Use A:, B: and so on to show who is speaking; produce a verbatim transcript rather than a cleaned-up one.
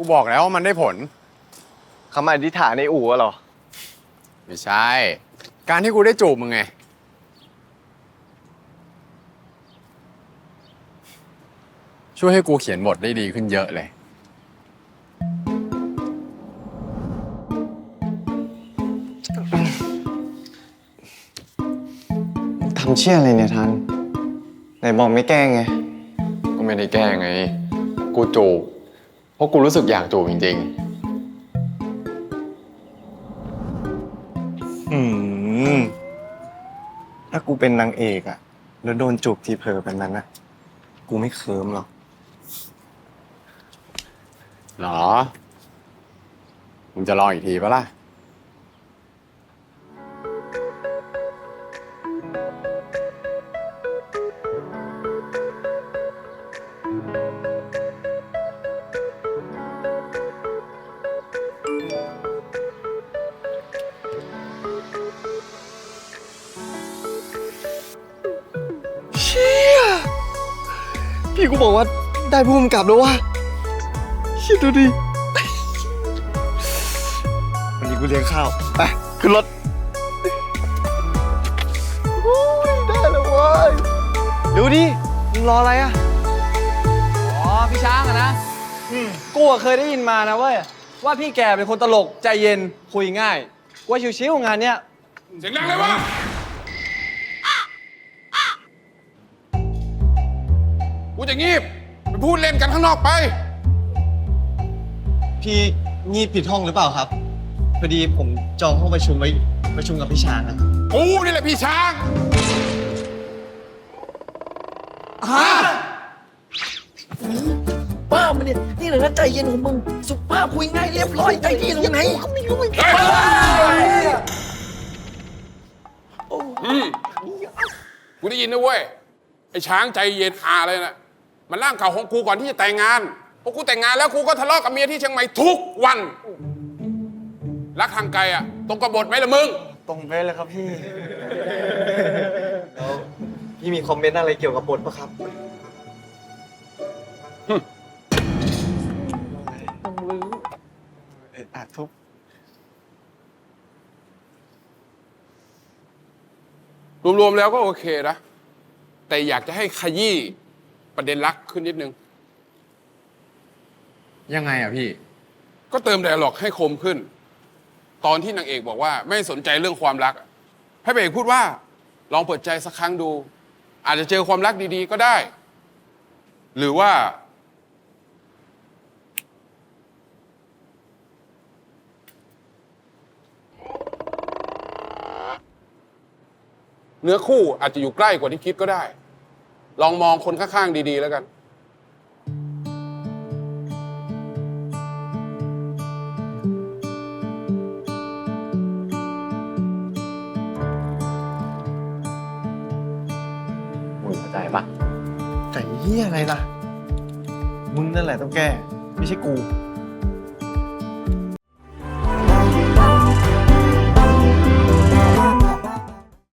A: กูบอกแล้วว่ามันได้ผล
B: คำอธิษฐานในอู่อะเหรอ
A: ไม่ใช่ การที่กูได้จูบมึงไงช่วยให้กูเขียนบทได้ดีขึ้นเยอะเลย
B: ทำเชี่ยอะไรเนี่ยทันไหนบอกไม่แกล้งไง
A: ก็ไม่ได้แกล้งไงกูจูบเพราะกูรู้สึกอยากจูบจริง
B: อืมถ้ากูเป็นนางเอกอะแล้วโดนจูบทีเผลอแบบนั้นอะกูไม่เคิมหรอก
A: ๆหรอมึงจะลองอีกทีปะล่ะ
B: เชี่ยพี่กูบอกว่าได้ภูมิกับแล้ววะคิดดูดิวันนี้กูเลี้ยงข้าวไปขึ้นรถโอ้ยได้แล้วเว้ยดูดิมึงรออะไรอะ
C: อ๋อพี่ช้างอะนะกูอะเคยได้ยินมานะเว้ยว่าพี่แกเป็นคนตลกใจเย็นคุยง่ายกูว่าชิวๆงานเนี้ย
D: เสียงดังเลยวะกูจะงีบไปพูดเล่นกันข้างนอกไป
B: พี่งีบผิดห้องหรือเปล่าครับพอดีผมจองห้องประชุมไว้ประชุมกับพี่ช้างนะ
D: กูนี่แหละพี่ช้าง
E: บ้ามันเนี่ยนี่แหละนะใจเย็นของมึงสุภาพคุยง่ายเรียบร้อยใจดีตรงไหนก็ไม่รู้เหมือนกัน
D: อืมกูได้ยินนะเว้ย ไอ้ช้างใจเย็นอาเลยนะมันร่างเก่าของกูก่อนที่จะแต่งงานพอกูแต่งงานแล้วกูก็ทะเลาะกับเมียที่เชียงใหม่ทุกวัน รักทางไกลอะตรงกับบทไหมล่ะมึง
B: ตรงไปเลยครับพี่แล้วพี่มีคอมเมนต์อะไรเกี่ยวกับบทปะครับเอ็ดอัดทุบ
D: รวมๆแล้วก็โอเคนะ แต่อยากจะให้ขยี้ประเด็นรักขึ้นนิดนึง
A: ยังไงอ่ะพี่
D: ก็เติมไดอะล็อกให้คมขึ้น ตอนที่นางเอกบอกว่าไม่สนใจเรื่องความรัก ให้พระเอกพูดว่า ลองเปิดใจสักครั้งดู อาจจะเจอความรักดีๆก็ได้ หรือว่า เนื้อคู่อาจจะอยู่ใกล้กว่าที่คิดก็ได้ ลองมองคนข้างๆดีๆแล้วกัน
A: มึงเข้าใจปะ
B: แต่เฮียอะไรล่ะ มึงนั่นแหละต้องแก้ ไม่ใช่กู